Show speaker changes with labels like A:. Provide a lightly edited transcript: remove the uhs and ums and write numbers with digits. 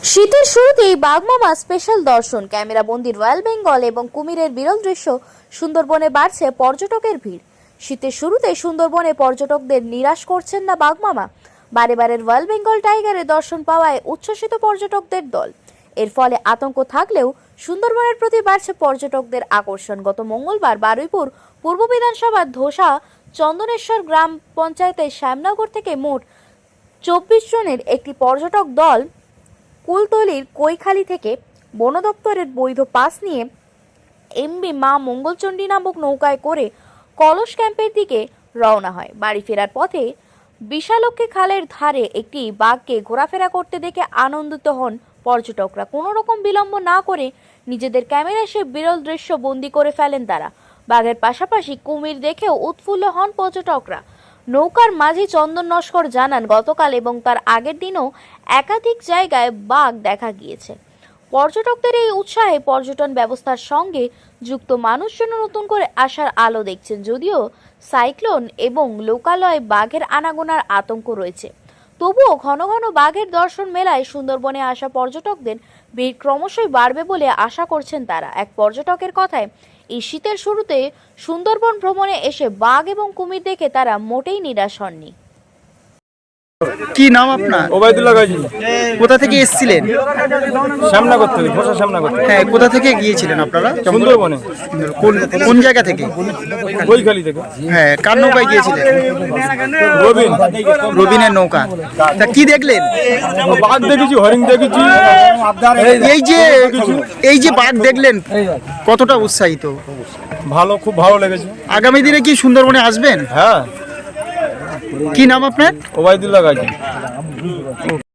A: শীতের শুরুতেই বাঘমামা স্পেশাল দর্শন, ক্যামেরা বন্দি রয়্যাল বেঙ্গল এবং কুমিরের বিরল দৃশ্য। সুন্দরবনে বাড়ছে পর্যটকের ভিড়। শীতের শুরুতে সুন্দরবনে পর্যটকদের নিরাশ করছেন না বাঘমামা। বারে বারে রয়্যাল বেঙ্গল টাইগারের দর্শন পাওয়ায় উচ্ছ্বসিত পর্যটকদের দল। এর ফলে আতঙ্ক থাকলেও সুন্দরবনের প্রতি বাড়ছে পর্যটকদের আকর্ষণ। গত মঙ্গলবার বারুইপুর পূর্ব বিধানসভার ধোসা চন্দনেশ্বর গ্রাম পঞ্চায়েতের শ্যামনগর থেকে মোট 24 জনের একটি পর্যটক দল কুলতলির কৈখালি থেকে বন দপ্তরের বৈধ পাস নিয়ে এমবি মা মঙ্গলচণ্ডী নামক নৌকায় করে কলস ক্যাম্পের দিকে রওনা হয়। বাড়ি ফেরার পথে বিশালক্ষী খালের ধারে একটি বাঘকে ঘোরাফেরা করতে দেখে আনন্দিত হন পর্যটকরা। কোনো রকম বিলম্ব না করে নিজেদের ক্যামেরায় সে বিরল দৃশ্য বন্দী করে ফেলেন তারা। বাঘের পাশাপাশি কুমির দেখেও উৎফুল্ল হন পর্যটকরা। নৌকার মাঝি চন্দন নস্কর জানান, গতকাল এবং তার আগের দিনও একাধিক জায়গায় বাঘ দেখা গিয়েছে। পর্যটকদের এই উৎসাহে পর্যটন ব্যবস্থার সঙ্গে যুক্ত মানুষজন নতুন করে আসার আলো দেখছেন। যদিও সাইক্লোন এবং লোকালয়ে বাঘের আনাগোনার আতঙ্ক রয়েছে, তবুও ঘন ঘন বাঘের দর্শন মেলায় সুন্দরবনে আসা পর্যটকদের ভিড় ক্রমশই বাড়বে বলে আশা করছেন তারা। এক পর্যটকের কথায়, এই শীতের শুরুতে সুন্দরবন ভ্রমণে এসে বাঘ এবং কুমির দেখে তারা মোটেই নিরাশ হননি।
B: কি নাম আপনার?
C: ওবায়দুল্লাহ গাজী।
B: কোথা থেকে এসেছিলেন?
C: শ্যামনগর থেকে, ঘোষা শ্যামনগর থেকে।
B: হ্যাঁ, কোথা থেকে গিয়েছিলেন আপনারা?
C: সুন্দরবনে।
B: কোন জায়গা থেকে?
C: কৈখালি থেকে।
B: হ্যাঁ, কার নৌকায় গিয়েছিলেন?
C: রবিন।
B: রবিনের নৌকা। তা কি দেখলেন?
C: বাঘ দেখেছি, হরিণ দেখেছি।
B: এই যে বাঘ দেখলেন, কতটা উৎসাহিত?
C: ভালো, খুব ভালো লেগেছে।
B: আগামী দিনে কি সুন্দরবনে আসবেন?
C: হ্যাঁ।
B: কি নাম আপনার?
C: ওবায়দুল্লাহ গাজী।